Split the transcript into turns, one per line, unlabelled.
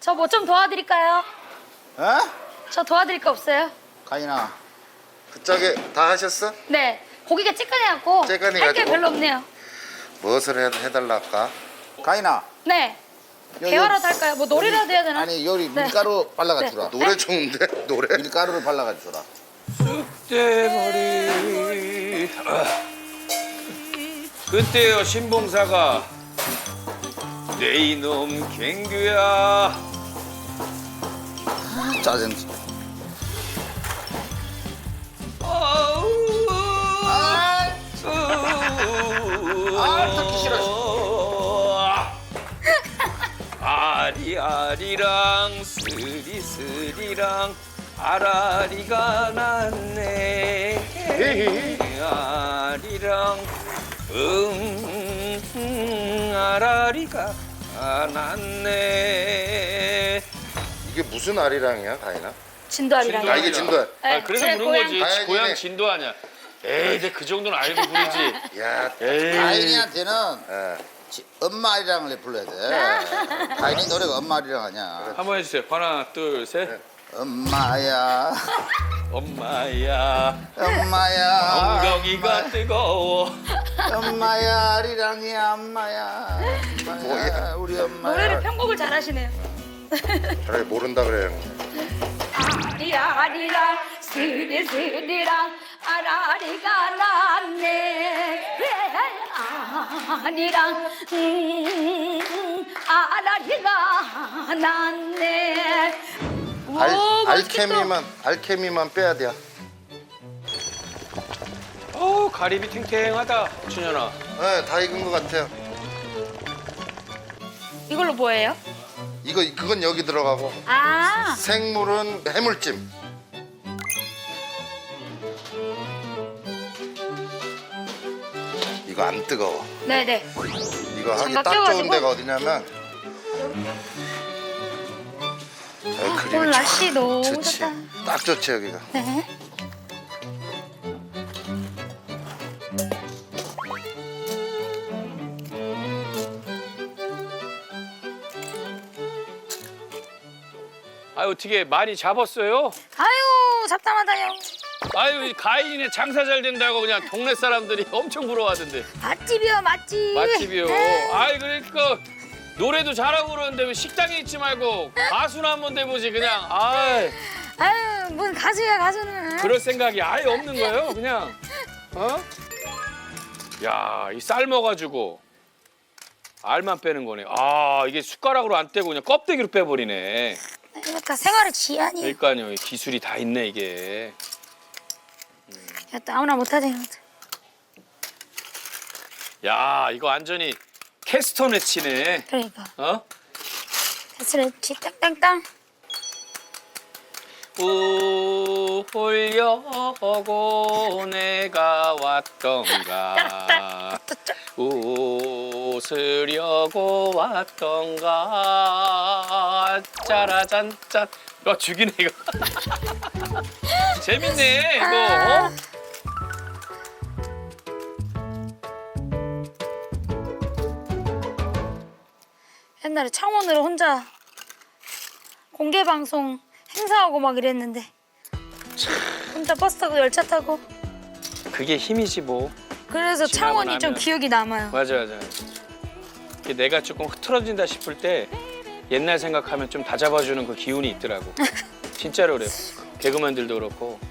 저 뭐 좀 도와드릴까요?
어?
저 도와드릴 거 없어요?
가인아, 그쪽에 다 하셨어?
네. 고기가 찌끈해갖고
찌끈해가지고.
할 게 별로 없네요.
무엇을 해달라 할까? 가인아,
네. 대화라도 할까요? 뭐 노래라도 해야 되나?
아니 요리
네.
밀가루 발라가
네.
주라.
노래 좋은데? 노래?
밀가루를 발라가 주라.
쑥대머리. 그때요 신봉사가 내 이놈 갱규야.
짜증.
듣기 싫어. 아리아리랑 스리스리랑 아라리가 났네. 아리랑 아라리가 났네.
이게 무슨 아리랑이야, 가인아?
진도아리랑.
아, 이게 진도야.
네,
그래서
제
부른 거지.
고향.
고향 진도 아니야. 에이, 근데 그 정도는 알고 부르지.
야,
에이.
가인이한테는
예.
엄마 아리랑을 불러야 돼. 가인이 노래가 엄마 아리랑 아니야.
한번 해주세요. 하나, 둘, 셋.
엄마야,
엄마야,
엄마야,
엉덩이가 뜨거워.
엄마야 아리랑이야 엄마야. 엄마야,
뭐야?
우리 엄마야.
노래를 편곡을 잘하시네요.
차라리 모른다 그래.
아리아리랑 스리스리랑 아라리가 났네. 아리랑 아라리가 났네. 오, 맛있겠다.
알케미만 빼야 돼.
가리비 탱탱하다, 준현아.
네, 다 익은 것 같아요.
이걸로 뭐예요?
그건 여기 들어가고
아,
생물은 해물찜. 이거 안 뜨거워.
네네.
이거 하기
장갑
딱 좋은
껴가지고?
데가 어디냐면 그림이
오늘 날씨 너무
좋지.
좋다.
딱 좋지 여기가.
네.
아유, 어떻게 많이 잡았어요?
아유, 잡담하다요.
아유, 가인이네 장사 잘 된다고 그냥 동네 사람들이 엄청 부러워하던데.
맛집이요, 맛집.
맛집이요.
네.
아이, 그러니까 노래도 잘하고 그러는데 왜 식당에 있지 말고 가수나 한번 돼보지 그냥. 아이,
아유, 뭔 가수야, 가수는.
그럴 생각이 아예 없는 거예요, 그냥. 어? 야, 이 삶아가지고 알만 빼는 거네. 아, 이게 숟가락으로 안 떼고 그냥 껍데기로 빼버리네.
그러니까 생활의 지안이에요.
그러니까요, 이 기술이 다 있네 이게.
야, 또 아무나 못하지.
야, 이거 완전히 캐스터네 치네.
그러니까.
어?
가스레치 땅땅땅.
울려고 내가 왔던가 웃으려고 왔던가 짜라잔짠. 야, 죽이네 이거. 재밌네 이거. 어?
옛날에 창원으로 혼자 공개 방송 행사하고 막 이랬는데 혼자 버스 타고 열차 타고
그게 힘이지 뭐.
그래서
지나고
창원이 좀
나면.
기억이 남아요.
맞아. 이게 내가 조금 흐트러진다 싶을 때 옛날 생각하면 좀 다잡아주는 그 기운이 있더라고. 진짜로 그래요. 개그맨들도 그렇고.